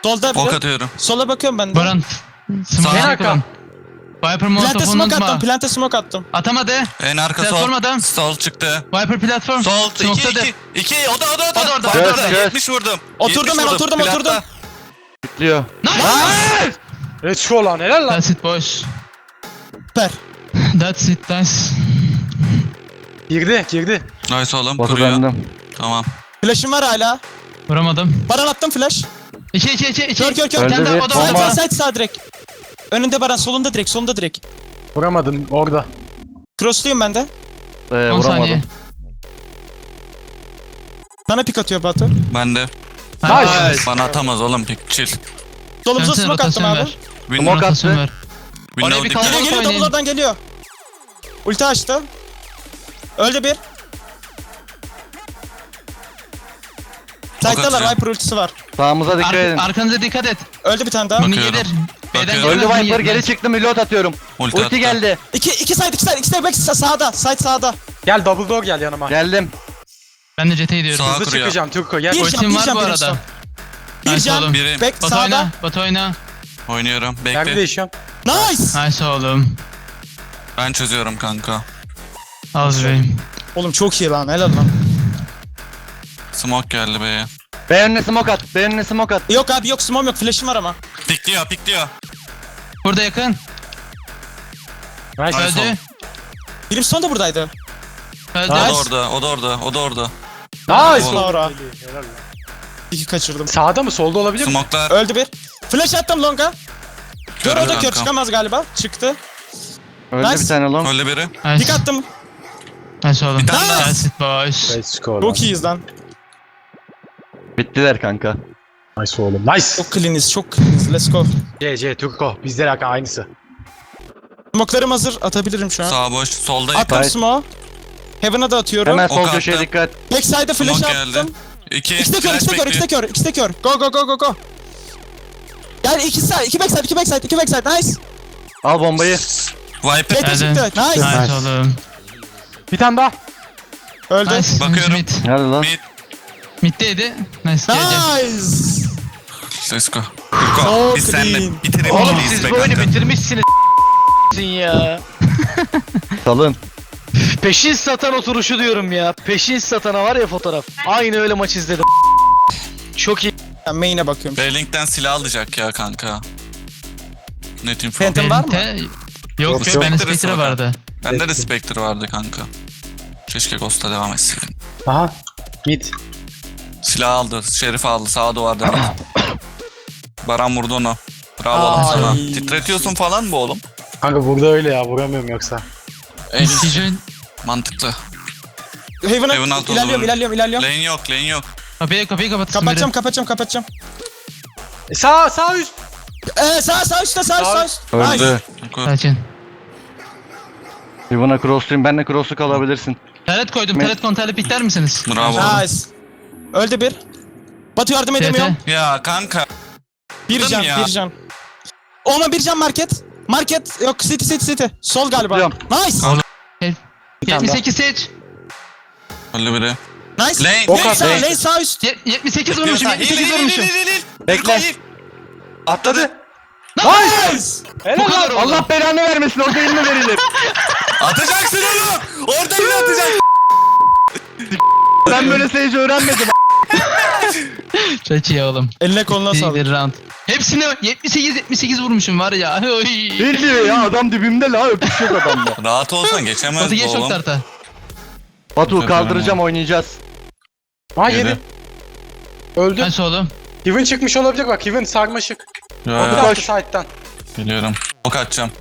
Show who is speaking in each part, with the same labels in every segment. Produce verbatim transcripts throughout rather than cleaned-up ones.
Speaker 1: Solda
Speaker 2: Ok
Speaker 1: biri.
Speaker 2: atıyorum.
Speaker 1: Sola bakıyorum ben de.
Speaker 3: Baran. Smoke
Speaker 2: Sağ
Speaker 3: arka. Viper
Speaker 1: Plante
Speaker 3: molotofunu
Speaker 1: smoke attım.
Speaker 3: unutma.
Speaker 1: Plante smoke attım.
Speaker 3: Atamadı.
Speaker 2: En arka sol.
Speaker 3: Platform adam.
Speaker 2: Sol çıktı.
Speaker 3: Viper platform.
Speaker 2: Sol. iki
Speaker 3: Smoke'da
Speaker 2: iki. iki. O da o da o da.
Speaker 3: O da orada,
Speaker 2: Bak
Speaker 3: o da
Speaker 2: orada.
Speaker 3: orada.
Speaker 2: yetmiş vurdum.
Speaker 1: Oturdum
Speaker 2: yetmiş
Speaker 1: ben,
Speaker 2: vurdum.
Speaker 1: oturdum,
Speaker 2: Platta.
Speaker 1: oturdum.
Speaker 4: Bitliyor.
Speaker 3: Nice.
Speaker 5: Let's go lan helal lan.
Speaker 3: That's it boys.
Speaker 1: Süper.
Speaker 3: That's it guys.
Speaker 5: Girdi girdi.
Speaker 2: Nice oğlum.
Speaker 4: Batu
Speaker 2: Kuruyor.
Speaker 4: bendim.
Speaker 2: Tamam.
Speaker 1: Flash'ım var hala.
Speaker 3: Vuramadım.
Speaker 1: Baran attım flash.
Speaker 3: İki iki iki iki.
Speaker 1: Kör kör kör.
Speaker 4: Öldü
Speaker 3: Kendi
Speaker 4: bir.
Speaker 3: o da
Speaker 1: Side
Speaker 4: Bomba.
Speaker 3: orada.
Speaker 1: side side direkt. Önünde Baran, solunda direkt, solunda direkt.
Speaker 5: Vuramadım orada.
Speaker 1: Crossluyum ben de.
Speaker 4: Ee,
Speaker 3: on saniye.
Speaker 4: vuramadım.
Speaker 1: Bana pik atıyor Batu.
Speaker 2: Ben de.
Speaker 3: Nice.
Speaker 2: Bana atamaz oğlum. Pik chill.
Speaker 1: Solumuza
Speaker 3: Dönsene,
Speaker 1: smoke attım
Speaker 3: rotasyon
Speaker 1: abi.
Speaker 3: ver.
Speaker 2: Window.
Speaker 4: Smoke
Speaker 3: Rotasyon
Speaker 4: attı.
Speaker 3: ver.
Speaker 2: Window
Speaker 3: Oraya bir
Speaker 2: dikkat.
Speaker 3: kaldı.
Speaker 1: Geliyor geliyor,
Speaker 3: oynayın.
Speaker 1: double oradan geliyor. Ulti açtı. Öldü bir. Side'dalar,
Speaker 2: atacağım.
Speaker 1: Viper ultisi var.
Speaker 4: Sağımıza dikkat
Speaker 3: Ar
Speaker 4: edin.
Speaker 3: arkanıza dikkat et.
Speaker 1: Öldü bir tane daha.
Speaker 3: Mini
Speaker 2: Bakıyorum.
Speaker 3: gelir. B'den
Speaker 2: Bakıyorum.
Speaker 4: Öldü
Speaker 3: gelemez,
Speaker 4: Viper
Speaker 3: mini
Speaker 4: geri
Speaker 3: yetmez.
Speaker 4: çıktım reload atıyorum.
Speaker 2: Ulti,
Speaker 4: Ulti
Speaker 2: attı.
Speaker 4: geldi.
Speaker 1: İki, iki side, iki side, iki side back sa- sağda. Side sağda.
Speaker 5: Gel double door gel yanıma.
Speaker 4: Geldim.
Speaker 3: Ben de jet'e gidiyorum.
Speaker 2: Sağ
Speaker 5: Hızlı
Speaker 2: kuruyor.
Speaker 5: çıkacağım Türko gel.
Speaker 1: Bir
Speaker 3: Ultim
Speaker 1: can, bir
Speaker 3: var
Speaker 1: can
Speaker 3: bu
Speaker 1: benim
Speaker 3: arada.
Speaker 1: son. Bir
Speaker 3: Nice
Speaker 1: can.
Speaker 3: oğlum.
Speaker 2: Biri.
Speaker 1: Back
Speaker 3: Batu
Speaker 1: sağda.
Speaker 3: oyna. Batu oyna.
Speaker 2: Oynuyorum.
Speaker 5: Nerede
Speaker 2: Bekle.
Speaker 5: değişiyorum?
Speaker 1: Nice.
Speaker 3: Nice oğlum.
Speaker 2: Ben çözüyorum kanka.
Speaker 3: Az beyim.
Speaker 1: Oğlum çok iyi lan, helal lan.
Speaker 2: Smoke geldi B'ye.
Speaker 4: B önüne smoke at. B önüne smoke at.
Speaker 1: Yok abi yok, smoke yok, flash'im var ama.
Speaker 2: Pikliyor pikliyor.
Speaker 3: Burada yakın.
Speaker 5: Nice.
Speaker 2: Nice
Speaker 3: Öldü.
Speaker 2: oğlum.
Speaker 1: Birim son da buradaydı.
Speaker 3: Öldü.
Speaker 2: O da
Speaker 1: Nice.
Speaker 2: orada. O da orada. O da orada.
Speaker 5: Nice.
Speaker 2: Oğlum.
Speaker 1: Laura.
Speaker 5: Helal lan.
Speaker 1: İki kaçırdım.
Speaker 5: Sağda mı solda olabilir mi?
Speaker 2: Smoke'lar.
Speaker 1: Öldü bir. Flash attım longa. Kör
Speaker 2: Kör
Speaker 1: o da kör,
Speaker 2: kankam.
Speaker 1: çıkamaz galiba. Çıktı.
Speaker 4: Öldü
Speaker 1: Nice.
Speaker 4: bir tane long.
Speaker 2: Öyle biri.
Speaker 3: Nice.
Speaker 1: Dik attım.
Speaker 3: Nice oğlum.
Speaker 2: Bir tane daha.
Speaker 3: That's it boys.
Speaker 5: Let's go lan.
Speaker 1: Çok iyiyiz lan.
Speaker 4: Bittiler kanka.
Speaker 5: Nice oğlum. Nice.
Speaker 1: Çok cleaniz, çok cleaniz. Let's go.
Speaker 5: C C Türko. Bizde de aynısı.
Speaker 1: Smoke'larım hazır. Atabilirim şu an.
Speaker 2: Sağ boş. Soldayım.
Speaker 1: Attım
Speaker 4: Nice.
Speaker 1: smoke. Heaven'a da atıyorum.
Speaker 4: Hemen
Speaker 2: Ok
Speaker 4: sol
Speaker 2: attı.
Speaker 4: köşeye dikkat.
Speaker 1: Backside'e flash
Speaker 2: Smoke geldi.
Speaker 1: attım.
Speaker 2: İki.
Speaker 1: İkisi de kör,
Speaker 2: Flash
Speaker 1: ikisi de kör, ikisi de
Speaker 2: bekliyor.
Speaker 1: kör, ikisi de kör. Go go go go go. Yani iki side, iki backside, iki backside, iki backside. Nice.
Speaker 4: Al bombayı.
Speaker 2: Viper.
Speaker 1: Jet
Speaker 3: Hadi.
Speaker 1: çıktı. Nice.
Speaker 3: Nice oğlum.
Speaker 5: Bir tane daha.
Speaker 1: Öldü.
Speaker 3: Nice.
Speaker 2: Bakıyorum.
Speaker 3: Mid.
Speaker 4: Hadi lan.
Speaker 2: Mid.
Speaker 3: Mid'deydi. Nice. G G.
Speaker 1: Nice.
Speaker 2: Let's go.
Speaker 1: So
Speaker 2: Go. Biz
Speaker 1: clean.
Speaker 2: seninle bitirelim.
Speaker 6: Oğlum
Speaker 2: biz
Speaker 6: siz
Speaker 2: be
Speaker 6: bu oyunu
Speaker 2: kanka.
Speaker 6: bitirmişsiniz ya.
Speaker 4: Salın.
Speaker 6: Peşin satan oturuşu diyorum ya. Peşin satana var ya fotoğraf. Aynı öyle maç izledim. Çok iyi.
Speaker 1: Ben main'e bakıyorum.
Speaker 2: B-Link'ten silah alacak ya kanka. Net info.
Speaker 1: Phantom var mı?
Speaker 3: Te- Yok yok,
Speaker 2: Spectre
Speaker 3: bende Spectre
Speaker 2: smoke.
Speaker 3: vardı.
Speaker 2: Bende de Spectre vardı kanka. Keşke Ghost'a devam etseydin.
Speaker 5: Aha. Mid.
Speaker 2: Silah aldı. Şerif aldı. Sağ duvarda. Baran vurdu onu. Bravo oğlum
Speaker 1: Ay.
Speaker 2: sana. Titretiyorsun falan mı oğlum?
Speaker 5: Kanka burada öyle ya vuramıyorum yoksa.
Speaker 3: Decision.
Speaker 2: Mantıklı.
Speaker 1: Heaven'a
Speaker 2: Heaven alt
Speaker 1: ilerliyorum,
Speaker 2: olur.
Speaker 1: ilerliyorum, ilerliyorum.
Speaker 2: Lane yok, lane yok.
Speaker 3: Kapıyı kapıyı kapatsın
Speaker 1: Kapatacağım,
Speaker 3: biri.
Speaker 1: kapatacağım, kapatacağım.
Speaker 5: E, sağ sağ üst.
Speaker 1: Ee, sağ, sağ üstte, sağ, sağ üst.
Speaker 4: Öldü.
Speaker 1: Nice.
Speaker 3: Sakin.
Speaker 4: Yuvana crossluyum. Ben de cross'u kalabilirsin.
Speaker 3: Taret koydum.
Speaker 4: Me-
Speaker 3: Taret konterli pikler misiniz?
Speaker 2: Bravo.
Speaker 1: Nice. Öldü bir. Batu yardım edemiyorum.
Speaker 2: Ya kanka.
Speaker 1: Bir
Speaker 2: Öldüm
Speaker 1: can,
Speaker 2: ya.
Speaker 1: bir can. Ona bir can market. Market yok, city city city. Sol galiba.
Speaker 4: Biliyorum.
Speaker 1: Nice.
Speaker 2: Al.
Speaker 3: yetmiş sekiz seç.
Speaker 2: Öldü biri.
Speaker 1: Nice.
Speaker 2: Lane,
Speaker 5: Ok
Speaker 1: Lane
Speaker 5: at,
Speaker 1: sağ,
Speaker 5: lane.
Speaker 1: lane sağ üst.
Speaker 3: Ye- yetmiş sekiz vurmuşum. yetmiş sekiz vurmuşum.
Speaker 4: Bekle.
Speaker 2: Atladı.
Speaker 1: Nice.
Speaker 3: Bu kadar oldu.
Speaker 4: Allah belanı vermesin. Orada elini verilir.
Speaker 2: Atacaksın oğlum. Orada yine atacaksın.
Speaker 4: Ben böyle seyirci öğrenmedim.
Speaker 3: Çok iyi oğlum.
Speaker 1: Eline koluna
Speaker 3: İyi
Speaker 1: sağlık.
Speaker 3: bir round. Hepsine yetmiş sekiz yetmiş sekiz vurmuşum var ya. Oy.
Speaker 4: Ne diyor ya? Adam dibimde la. Öpüş yok adamda.
Speaker 2: Rahat olsan geçemez
Speaker 3: Batı
Speaker 2: bu
Speaker 3: geç çok
Speaker 2: oğlum.
Speaker 3: tarta.
Speaker 4: Batu kaldıracağım oynayacağız.
Speaker 5: Ha
Speaker 2: Yedi.
Speaker 5: yedi. Öldü.
Speaker 3: Nice oğlum.
Speaker 5: Heaven çıkmış olabilir bak. Heaven sarmaşık.
Speaker 2: Ya,
Speaker 5: Bir
Speaker 2: ya,
Speaker 5: attı side'dan.
Speaker 2: biliyorum. Ok atacağım.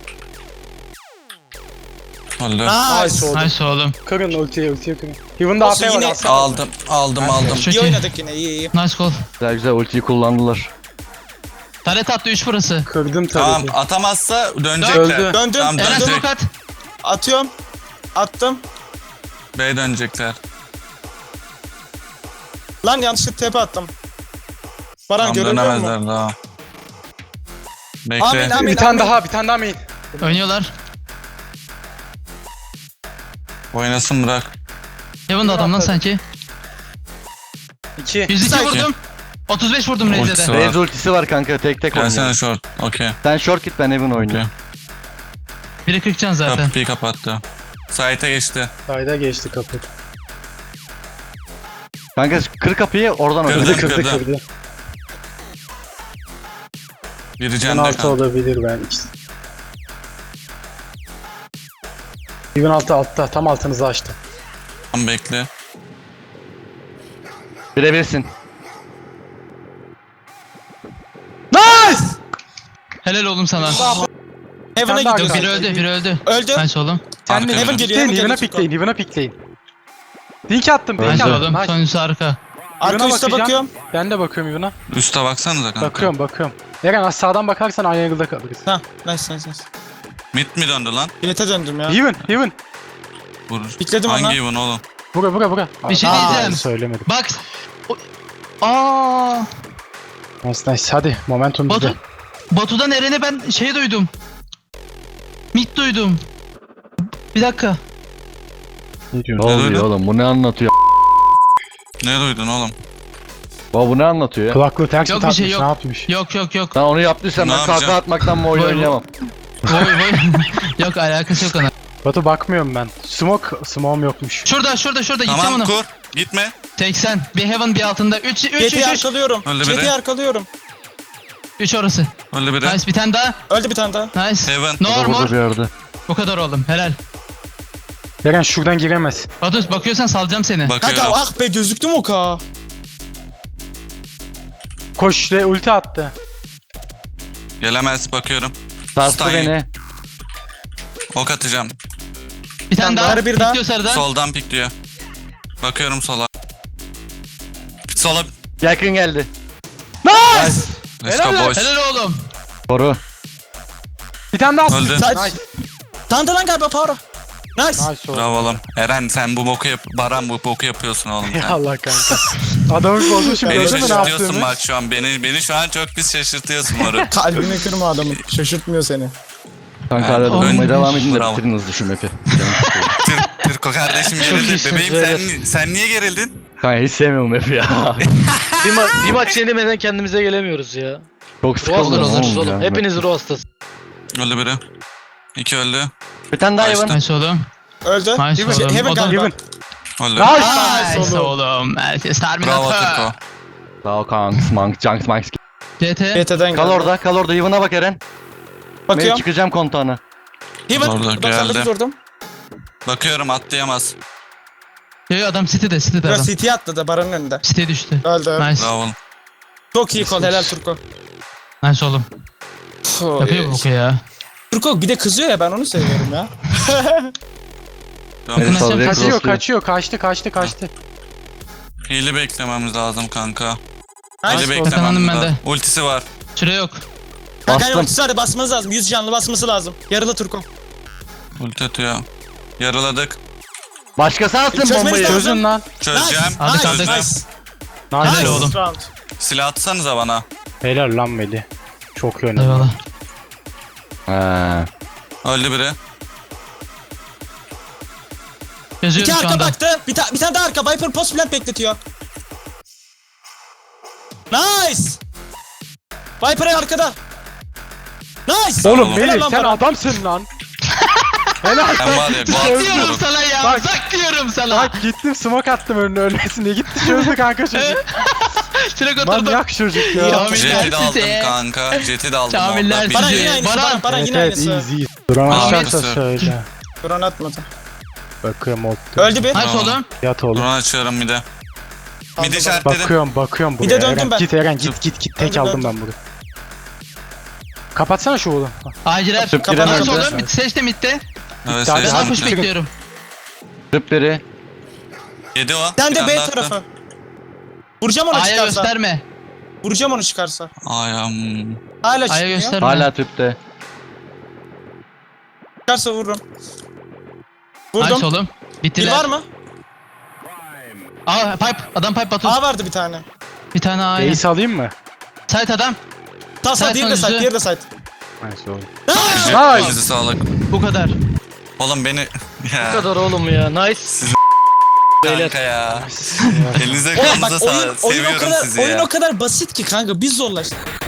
Speaker 2: Öldü.
Speaker 1: Nice.
Speaker 5: Nice oldu.
Speaker 3: Nice oğlum.
Speaker 5: Kırın ultiyi ultiyi kırın. Heaven'da A
Speaker 1: Olsun,
Speaker 5: P var
Speaker 1: yine-
Speaker 5: alsana.
Speaker 2: Aldım, aldım, aldım.
Speaker 3: Çok
Speaker 1: İyi
Speaker 3: iyi.
Speaker 1: oynadık yine, iyi iyi.
Speaker 3: Nice call.
Speaker 4: Güzel güzel ultiyi kullandılar.
Speaker 3: Taret attı üç burası.
Speaker 5: Kırdım
Speaker 2: Tamam,
Speaker 5: tabii.
Speaker 2: atamazsa dönecekler.
Speaker 5: Öldü.
Speaker 1: Döndüm,
Speaker 2: Tamam,
Speaker 3: Eren
Speaker 2: dönecek.
Speaker 3: smoke at.
Speaker 1: Atıyorum. Attım.
Speaker 2: B'ye dönecekler.
Speaker 1: Lan yanlışlıkla tepe attım. Baran
Speaker 2: Tamam,
Speaker 1: görünüyor mu?
Speaker 2: dönemezler daha. Bekle.
Speaker 1: Amin, amin.
Speaker 5: Bir tane daha bir tane daha main.
Speaker 3: Oynuyorlar.
Speaker 2: Oynasın bırak.
Speaker 3: Heaven'da adam lan sanki.
Speaker 5: İki.
Speaker 3: yüz iki
Speaker 1: Sanki.
Speaker 3: vurdum. otuz beş vurdum
Speaker 2: Ultisi
Speaker 3: Reis'e de.
Speaker 2: var.
Speaker 4: Raze ultisi var kanka, tek tek
Speaker 2: Gelsene
Speaker 4: oynuyor.
Speaker 2: short. Okey.
Speaker 4: Sen short git, ben Heaven oynuyorum.
Speaker 3: Biri kırk can zaten.
Speaker 2: Kapıyı kapattı. Site'e geçti.
Speaker 5: Sayda geçti kapı.
Speaker 4: Kanka kır kapıyı, oradan
Speaker 2: Kırdı,
Speaker 4: oynuyor.
Speaker 5: Kırdı
Speaker 2: kırdı.
Speaker 5: kırdı.
Speaker 2: Biri
Speaker 5: on
Speaker 2: cende
Speaker 5: altı
Speaker 2: kanka.
Speaker 5: olabilir ben. Heaven altı altta. Tam altınızı açtı.
Speaker 2: Tamam, bekle.
Speaker 4: Birebirsin.
Speaker 1: Nice!
Speaker 3: Helal oğlum sana.
Speaker 1: Heaven'a
Speaker 5: Sen daha
Speaker 1: gidiyor.
Speaker 3: Biri öldü biri öldü.
Speaker 1: Öldü.
Speaker 3: Nice oğlum.
Speaker 5: Sen
Speaker 2: Arka
Speaker 5: de
Speaker 1: Heaven
Speaker 2: Heaven.
Speaker 1: geliyor.
Speaker 5: pikleyin,
Speaker 1: Heaven
Speaker 5: Heaven'a
Speaker 1: geliyor.
Speaker 5: pikleyin, Heaven'a pikleyin. Link attım, link
Speaker 3: Nice
Speaker 5: attım.
Speaker 3: oğlum.
Speaker 5: Nice.
Speaker 3: Sonuncusu arka.
Speaker 1: Arka
Speaker 5: Heaven'a
Speaker 1: üstte
Speaker 5: bakacağım.
Speaker 1: bakıyorum.
Speaker 5: Ben de bakıyorum Heaven'a.
Speaker 2: Üste baksanıza kanka.
Speaker 5: Bakıyorum, bakıyorum. Eren az sağdan bakarsan aynı angle'da kalırız.
Speaker 1: Ha, nice nice nice.
Speaker 2: Mid mi döndü lan?
Speaker 1: Bilete döndüm ya.
Speaker 5: Heaven, Heaven.
Speaker 2: Vurur.
Speaker 1: Pikledim
Speaker 2: Hangi
Speaker 1: ona.
Speaker 2: even oğlum?
Speaker 5: Bura, bura, bura.
Speaker 3: Bir şey
Speaker 5: Aa,
Speaker 3: diyeceğim.
Speaker 5: Söylemedim.
Speaker 3: Bak. O- Aa.
Speaker 5: Nice, nice. Hadi, momentum bizde.
Speaker 3: Batu. Batu'dan Eren'e ben şey duydum. Mid duydum. Bir dakika.
Speaker 5: Ne
Speaker 4: Ne
Speaker 5: diyorsun?
Speaker 4: oluyor
Speaker 2: öyle?
Speaker 4: oğlum, bu ne anlatıyor?
Speaker 2: Ne duydun oğlum?
Speaker 4: Baba bu ne anlatıyor ya?
Speaker 5: Kulaklığı ters mi
Speaker 3: Yok, bir
Speaker 5: takmış,
Speaker 3: şey yok.
Speaker 5: ne yapmış?
Speaker 3: Yok yok yok.
Speaker 4: Sen onu yaptıysan
Speaker 2: Ne
Speaker 4: ben
Speaker 2: yapacağım?
Speaker 4: kahkaha atmaktan bu oyunu
Speaker 3: Vay, vay.
Speaker 4: oynayamam.
Speaker 3: Voy voy. Yok alakası yok ona.
Speaker 5: Batu bakmıyorum ben. Smoke, smoke'um yokmuş.
Speaker 3: Şurada şurada şurada gideceğim
Speaker 2: Tamam
Speaker 3: onu.
Speaker 2: kur. Gitme.
Speaker 3: seksen. Bir heaven bir altında. üç üç üç
Speaker 1: Jet'i
Speaker 3: üç.
Speaker 1: arkalıyorum.
Speaker 2: Öldü biri.
Speaker 1: Jet'i arkalıyorum.
Speaker 3: üç orası.
Speaker 2: Öyle biri.
Speaker 3: Nice bir tane daha.
Speaker 1: Öldü bir tane daha.
Speaker 3: Nice.
Speaker 2: Heaven.
Speaker 3: No
Speaker 4: Burada
Speaker 3: more.
Speaker 4: bir yerde.
Speaker 3: Bu kadar oğlum. Helal.
Speaker 5: Eren şuradan giremez.
Speaker 3: Batu bakıyorsan salacağım seni.
Speaker 1: Kanka
Speaker 2: Bakıyorum.
Speaker 1: ah be gözüktü mü o ka?
Speaker 5: Koş ve ulti attı.
Speaker 2: Gelemez, bakıyorum.
Speaker 4: Sarstı
Speaker 2: Stein.
Speaker 4: beni.
Speaker 2: Ok atacağım.
Speaker 3: Bir tane daha.
Speaker 1: Sarı bir daha.
Speaker 3: Bitiyor sarıdan.
Speaker 2: Soldan pikliyor. Bakıyorum sola. Sola.
Speaker 4: Yakın geldi.
Speaker 2: Let's
Speaker 5: Helal
Speaker 2: go
Speaker 5: lan.
Speaker 2: boys.
Speaker 3: Helal oğlum.
Speaker 4: Koru.
Speaker 5: Bir tane daha attı.
Speaker 2: Öldü.
Speaker 1: Nice.
Speaker 5: Nice.
Speaker 1: Tanıdı lan galiba Power'a. Nice.
Speaker 5: Nice oldu.
Speaker 2: Bravo oğlum. Eren sen bu boku yap... Baran bu boku yapıyorsun oğlum
Speaker 5: Ya
Speaker 2: sen.
Speaker 5: Allah kanka. Adamı bozmuşum.
Speaker 2: Beni
Speaker 5: Gördün mü ne
Speaker 2: şaşırtıyorsun
Speaker 5: yaptığımı?
Speaker 2: bak şu an. Beni beni şu an çok pis şaşırtıyorsun moruk.
Speaker 1: Kalbini kırma adamın. Şaşırtmıyor seni.
Speaker 4: Kanka
Speaker 2: Ben-
Speaker 4: hala durmaya
Speaker 3: Ön-
Speaker 4: devam edin de
Speaker 2: Bravo.
Speaker 4: bitirin hızlı şu map'i. Canım sıkıldı.
Speaker 2: Tür, Türko kardeşim gerildi.
Speaker 6: iyisiniz,
Speaker 2: Bebeğim sen, sen niye gerildin?
Speaker 4: Kanka hiç sevmiyorum map'i ya.
Speaker 6: Bir, ma- bir maç yenilmeden kendimize gelemiyoruz ya.
Speaker 4: Çok
Speaker 6: Ruh
Speaker 4: sıkıldım
Speaker 6: hastası oluruz
Speaker 4: oğlum
Speaker 6: oğlum.
Speaker 4: ya.
Speaker 6: Hepiniz ruh hastası.
Speaker 2: Öldü biri. İki öldü.
Speaker 4: Bir tane daha Heaven.
Speaker 3: Nice oğlum.
Speaker 1: Öldü.
Speaker 3: Nice
Speaker 1: Heaven,
Speaker 3: oğlum.
Speaker 1: Heaven
Speaker 3: O da-
Speaker 1: galiba.
Speaker 5: Heaven.
Speaker 2: Öldü.
Speaker 1: Nice
Speaker 3: Nice
Speaker 1: oğlum.
Speaker 3: oğlum. Herkes
Speaker 2: Bravo
Speaker 3: Terminator.
Speaker 2: Türko.
Speaker 4: Sağ ol kanks, mank, junks, manks.
Speaker 3: C T.
Speaker 1: Jet'den
Speaker 4: Kal
Speaker 1: geldi.
Speaker 4: orada, kal orada. Heaven'a bak Eren. Ben
Speaker 1: Bakıyorum.
Speaker 4: çıkacağım kontağına.
Speaker 1: Heaven.
Speaker 2: Orada,
Speaker 1: doksan dokuz
Speaker 2: geldi.
Speaker 1: vurdum.
Speaker 2: Bakıyorum, atlayamaz.
Speaker 3: Yo adam City'de City'de
Speaker 1: Biraz
Speaker 3: adam.
Speaker 1: C T attı da Baran'ın önünde.
Speaker 3: City'ye düştü.
Speaker 1: Öldü.
Speaker 3: Nice.
Speaker 2: Bravo oğlum.
Speaker 1: Çok iyi kol. Helal Turko.
Speaker 3: Nice oğlum. Yapıyor bu boku ya.
Speaker 1: Turko bir de kızıyor ya ben onu seviyorum ya.
Speaker 2: Tamam.
Speaker 4: Evet, saldırıya
Speaker 5: Kaçıyor,
Speaker 4: crossluyor.
Speaker 5: kaçıyor. Kaçtı, kaçtı, kaçtı.
Speaker 2: Hile beklememiz lazım kanka.
Speaker 1: Nice.
Speaker 2: Hile
Speaker 3: Kazandım
Speaker 2: beklememiz
Speaker 3: ben de.
Speaker 2: lazım. Ultisi var.
Speaker 3: Süre yok.
Speaker 1: Kanka
Speaker 4: Bastım.
Speaker 1: ultisi var basmanız lazım. yüz canlı basması lazım. Yarılı Turko.
Speaker 2: Ulti atıyor. Yaraladık.
Speaker 4: Başkası atsın
Speaker 1: Çözmeniz
Speaker 4: bombayı.
Speaker 1: lazım.
Speaker 5: Çözün lan.
Speaker 2: Çözeceğim.
Speaker 3: Hadi
Speaker 1: nice,
Speaker 3: kaldık.
Speaker 1: nice.
Speaker 5: Nice.
Speaker 1: Nice.
Speaker 3: oğlum.
Speaker 1: Round.
Speaker 2: Silah atsanıza bana.
Speaker 5: Helal lan Meli. Çok iyi oynadı.
Speaker 3: Eyvallah.
Speaker 4: Ha.
Speaker 2: Öldü biri.
Speaker 1: İki
Speaker 3: Yazıyorum şu
Speaker 1: arka
Speaker 3: anda.
Speaker 1: baktı. Bir, ta bir tane daha arka. Viper post plant bekletiyor. Nice. Viper arkada. Nice.
Speaker 5: Oğlum
Speaker 1: Helal
Speaker 5: Meli
Speaker 1: lan
Speaker 5: sen
Speaker 1: Baran.
Speaker 5: adamsın lan. Helal.
Speaker 2: Ben var ya.
Speaker 3: Zak
Speaker 2: gol
Speaker 3: diyorum
Speaker 2: moruk.
Speaker 3: sana ya.
Speaker 5: Bak.
Speaker 3: Zak diyorum sana.
Speaker 5: Bak gittim smoke attım önüne ölmesin diye. Gitti çözdü kanka çocuk.
Speaker 3: Süre oturdum.
Speaker 5: Manyak çocuk ya.
Speaker 1: Ya.
Speaker 3: Kamiller
Speaker 2: Jet'i de aldım
Speaker 3: size.
Speaker 2: kanka. Jet'i de aldım.
Speaker 3: Kamiller
Speaker 2: orada.
Speaker 1: Baran
Speaker 3: size.
Speaker 1: yine aynısı.
Speaker 3: Baran.
Speaker 1: Baran, Baran
Speaker 5: Evet
Speaker 1: yine
Speaker 5: evet
Speaker 1: aynısı.
Speaker 5: iyiyiz iyiyiz. Duran
Speaker 2: Tamam,
Speaker 5: aşağısa
Speaker 2: arkası.
Speaker 5: söyle.
Speaker 1: Duran atmadı.
Speaker 5: Bakıyorum oldu.
Speaker 1: Öldü bir.
Speaker 3: Nice
Speaker 2: Tamam.
Speaker 3: oğlum.
Speaker 5: Yat oğlum.
Speaker 2: Drone açıyorum bir de.
Speaker 1: Aldı
Speaker 2: Bir de
Speaker 1: Baran.
Speaker 2: işaretledim.
Speaker 5: Bakıyorum bakıyorum buraya.
Speaker 1: Bir de döndüm
Speaker 5: Eren,
Speaker 1: ben.
Speaker 5: Git Eren git git git. Tek
Speaker 1: Döndüm,
Speaker 5: aldım
Speaker 1: döndüm.
Speaker 5: ben bunu. Kapatsana şu oğlum.
Speaker 3: Aciler.
Speaker 4: Tıp
Speaker 1: giren
Speaker 3: Nice
Speaker 1: öldü.
Speaker 3: oğlum. Mid seçti midde.
Speaker 2: Evet,
Speaker 5: Hadi,
Speaker 3: Ben
Speaker 2: sesini
Speaker 5: hadi.
Speaker 3: push
Speaker 2: bitti.
Speaker 3: bekliyorum.
Speaker 4: Tıp biri.
Speaker 2: Yedi o.
Speaker 1: Sen
Speaker 2: Bir
Speaker 1: de
Speaker 2: tane
Speaker 1: B
Speaker 2: daha attı.
Speaker 1: tarafı. Vuracağım onu
Speaker 3: A'ya
Speaker 1: çıkarsa.
Speaker 3: gösterme.
Speaker 1: Vuracağım onu çıkarsa.
Speaker 2: Ayam.
Speaker 1: Hala
Speaker 3: A'ya
Speaker 1: çıkmıyor.
Speaker 3: gösterme.
Speaker 4: Hala tüpte.
Speaker 1: Çıkarsa vururum.
Speaker 3: Nice
Speaker 1: Vurdum.
Speaker 3: oğlum.
Speaker 1: Bir
Speaker 3: Bittiler.
Speaker 1: var mı?
Speaker 3: Aa pipe. Adam pipe batı.
Speaker 1: A vardı bir tane.
Speaker 3: Bir tane A.
Speaker 5: Ace alayım mı?
Speaker 3: Site adam.
Speaker 1: Ta side,
Speaker 3: Side
Speaker 1: diğeri de side,
Speaker 3: sonucu.
Speaker 1: diğeri de side.
Speaker 5: Nice oğlum.
Speaker 1: Nice.
Speaker 5: Nice.
Speaker 2: Sizi sağlık.
Speaker 3: Bu kadar.
Speaker 2: Oğlum beni...
Speaker 6: Bu
Speaker 2: Ya.
Speaker 6: kadar oğlum ya. Nice.
Speaker 2: kanka ya. Elinize
Speaker 1: Oğlum
Speaker 2: kanınıza
Speaker 1: bak oyun,
Speaker 2: sağlık.
Speaker 1: oyun o
Speaker 2: Seviyorum
Speaker 1: kadar
Speaker 2: sizi
Speaker 1: oyun
Speaker 2: ya.
Speaker 1: o kadar basit ki kanka biz zorlaştık.